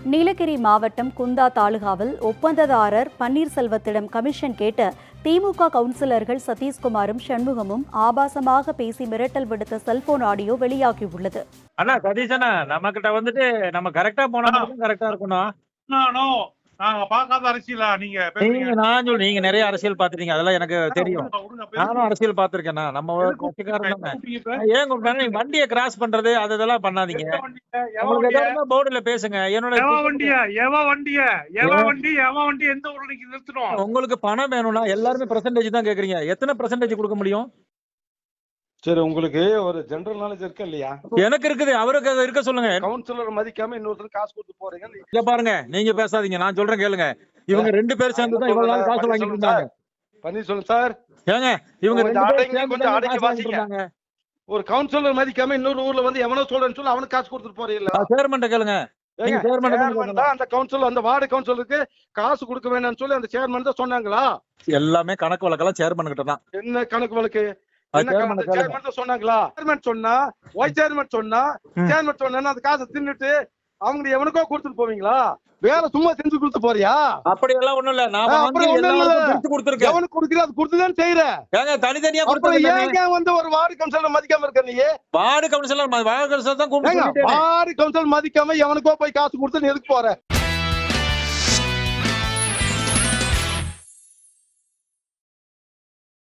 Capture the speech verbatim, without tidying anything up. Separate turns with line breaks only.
நீலகிரி மாவட்டம் குந்தா தாலுகாவில் ஒப்பந்ததாரர் பன்னீர்செல்வத்திடம் கமிஷன் கேட்ட திமுக கவுன்சிலர்கள் சதீஷ்குமாரும் சண்முகமும் ஆபாசமாக பேசி மிரட்டல் விடுத்த செல்போன் ஆடியோ வெளியாகியுள்ளது.
அண்ணா சதீஷனா, நம்ம கிட்ட வந்துட்டு நம்ம கரெக்டா போனா மட்டும் கரெக்டா இருக்கணும்.
நாங்க பார்க்காத அரசியலா நீங்க
நீங்க நான் சொல்லு நீங்க நிறைய அரசியல் பாத்துட்டீங்க, அதெல்லாம் எனக்கு தெரியும். நானும் அரசியல் பாத்துருக்கேன். நம்ம கட்சிக்காரன் தானே. ஏன் கூப்பிட்டாங்க நீங்க வண்டியை கிராஸ் பண்றது அது இதெல்லாம் பண்ணாதீங்க. உங்களுக்கு ஏதாவது போர்டுல பேசுங்க. என்னோட
வண்டியா எவ வண்டிய எவ வண்டி எவ வண்டி எந்த ஊர்ல நீங்க நிறுத்தணும்.
உங்களுக்கு பணம் வேணும்னா எல்லாருமே பெர்சன்டேஜ் தான் கேக்குறீங்க. எத்தனை பெர்சன்டேஜ் கொடுக்க முடியும்?
சரி, உங்களுக்கு ஒரு ஜெனரல் நாலேஜ் இருக்கு இல்லையா?
எனக்கு இருக்குது, அவருக்கு இருக்க சொல்லுங்க.
கவுன்சிலர் மதிக்காம இன்னொருத்தர் காசு கொடுத்து போறீங்க.
இங்க பாருங்க, நீங்க பேசாதீங்க, நான் சொல்றேன் கேளுங்க. இவங்க ரெண்டு பேரும் சேர்ந்து தான் இவ்வளவு நாள் காசு வாங்கிட்டு இருந்தாங்க.
பன்னீர்செல்வம் சார்,
ஏங்க இவங்க ரெண்டு பேரும்
கொஞ்சம் அடக்கி வாசிங்க. ஒரு கவுன்சிலர் மதிக்காம இன்னொரு ஊர்ல வந்து எவனோ சொல்றேன்னு சொல்லி அவனுக்கு காசு கொடுத்துட்டு போறீங்களா?
சேர்மன்ட்ட கேளுங்க.
அந்த கவுன்சில் அந்த வார்டு கவுன்சிலருக்கு காசு கொடுக்க வேண்டாம்னு சொல்லி அந்த சேர்மன் தான் சொன்னாங்களா?
எல்லாமே கணக்கு வழக்கெல்லாம் சேர்மன் கிட்ட தான்.
என்ன கணக்கு வழக்கு? சொன்னாங்களா? சேர்மன் சொன்னா ஒய் சேர்மன் சொன்னா சேர்மன் சொன்னா அந்த காசை தின்னுட்டு அவங்க எவனுக்கோ கொடுத்துட்டு போவீங்களா? வேலை சும்மா செஞ்சு கொடுத்து போறியா?
அப்படி எல்லாம் ஒண்ணும் இல்ல. நான் கொடுத்து கொடுத்துருக்கேன்.
எவனுக்கு கொடுக்குற அது கொடுத்துதான் செய்யறேன்.
ஏங்க தனித்தனியா
ஏங்க வந்து ஒரு வார்டு கவுன்சிலர் மதிக்காம இருக்க நீ?
வார்டு கவுன்சிலர் வார்டு கவுன்சிலர் தான் கூப்பிட்டு
வார்டு கவுன்சிலர் மதிக்காம எவனுக்கோ போய் காசு கொடுத்து எதுக்கு போற?